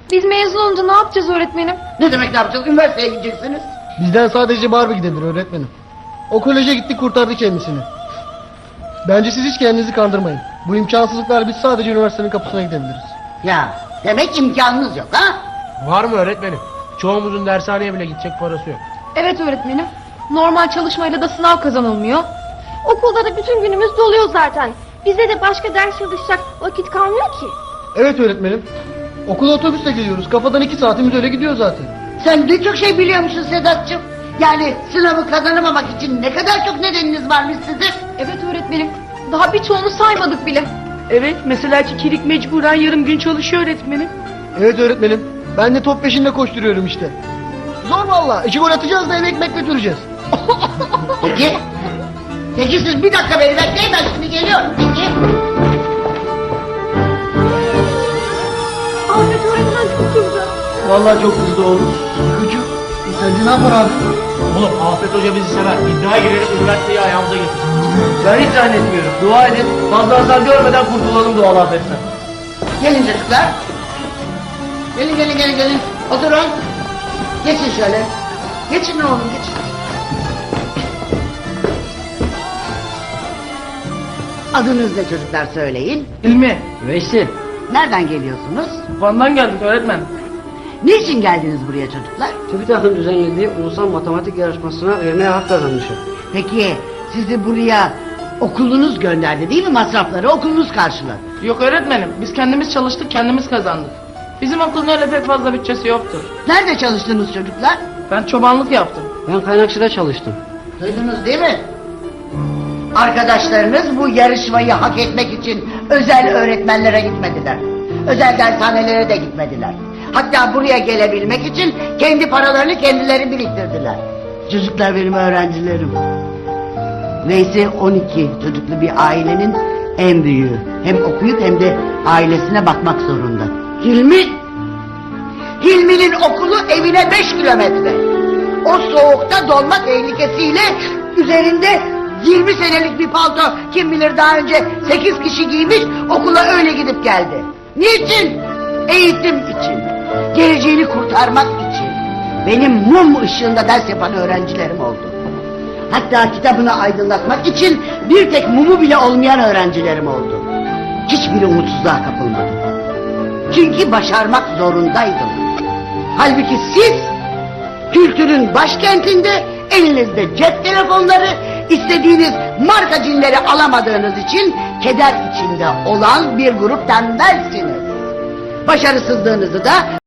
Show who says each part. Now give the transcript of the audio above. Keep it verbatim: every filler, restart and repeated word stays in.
Speaker 1: Biz mezun olunca ne yapacağız öğretmenim?
Speaker 2: Ne demek ne yapacağız? Üniversiteye gideceksiniz.
Speaker 3: Bizden sadece Barbie gidebilir öğretmenim. O koleje gitti kurtardı kendisini. Bence siz hiç kendinizi kandırmayın. Bu imkansızlıklar biz sadece üniversitenin kapısına gidebiliriz.
Speaker 2: Ya demek imkanınız yok ha?
Speaker 4: Var mı öğretmenim? Çoğumuzun dershaneye bile gidecek parası yok.
Speaker 1: Evet öğretmenim. Normal çalışmayla da sınav kazanılmıyor. Okulda da bütün günümüz doluyor zaten. Bize de başka ders çalışacak vakit kalmıyor ki.
Speaker 3: Evet öğretmenim. Okula otobüsle geliyoruz. Kafadan iki saatimiz öyle gidiyor zaten.
Speaker 2: Sen ne çok şey biliyormuşsun Sedat'cığım. Yani sınavı kazanamamak için ne kadar çok nedeniniz varmış sizin.
Speaker 1: Evet öğretmenim. Daha birçoğunu saymadık bile.
Speaker 5: Evet, mesela Kikirik mecburen yarım gün çalışıyor öğretmenim.
Speaker 3: Evet öğretmenim. Ben de top peşinde koşturuyorum işte. Zor valla. İki gol atacağız da eve ekmek götüreceğiz.
Speaker 2: Peki. Peki siz bir dakika beni bekleyin, ben şimdi geliyorum. Peki.
Speaker 1: Ahmet öğretmen çok kızdı.
Speaker 3: Vallahi çok hızlı oğlum. Küçük. Sence ne yapar abi?
Speaker 4: Oğlum Afet Hoca bizi sever. İddiaya girerek üniversiteyi ayağımıza getirir.
Speaker 3: Ben hiç zannetmiyorum. Dua edin. Fazla hasar görmeden kurtulalım doğal afetten.
Speaker 2: Gelin çocuklar. Gelin gelin gelin gelin. Oturun. Geçin şöyle. Geçin oğlum geçin. Adınız ne çocuklar söyleyin.
Speaker 5: İlmi. Veysel.
Speaker 2: Nereden geliyorsunuz?
Speaker 5: Van'dan geldik öğretmen.
Speaker 2: Niçin geldiniz buraya çocuklar?
Speaker 6: TÜBİTAK'ın düzenlediği ulusal matematik yarışmasına vermeye hak kazanmışım.
Speaker 2: Peki sizi buraya okulunuz gönderdi değil mi? Masrafları okulunuz karşıladı.
Speaker 5: Yok öğretmenim, biz kendimiz çalıştık, kendimiz kazandık. Bizim okulun öyle pek fazla bütçesi yoktur.
Speaker 2: Nerede çalıştınız çocuklar?
Speaker 5: Ben çobanlık yaptım.
Speaker 6: Ben kaynakçıda çalıştım.
Speaker 2: Duydunuz değil mi? Arkadaşlarınız bu yarışmayı hak etmek için özel öğretmenlere gitmediler. Özel dershanelere de gitmediler. Hatta buraya gelebilmek için kendi paralarını kendileri biriktirdiler. Çocuklar benim öğrencilerim. Neyse on iki çocuklu bir ailenin en büyüğü. Hem okuyup hem de ailesine bakmak zorunda. Hilmi! Hilmi'nin okulu evine beş kilometre. O soğukta donma tehlikesiyle üzerinde yirmi senelik bir palto, kim bilir daha önce sekiz kişi giymiş, okula öyle gidip geldi. Niçin? Eğitim için. Geleceğini kurtarmak için. Benim mum ışığında ders yapan öğrencilerim oldu. Hatta kitabını aydınlatmak için bir tek mumu bile olmayan öğrencilerim oldu. Hiçbiri umutsuzluğa kapılmadı. Çünkü başarmak zorundaydım. Halbuki siz kültürün başkentinde elinizde cep telefonları, istediğiniz marka cinleri alamadığınız için keder içinde olan bir grup tembelsiniz. Başarısızlığınızı da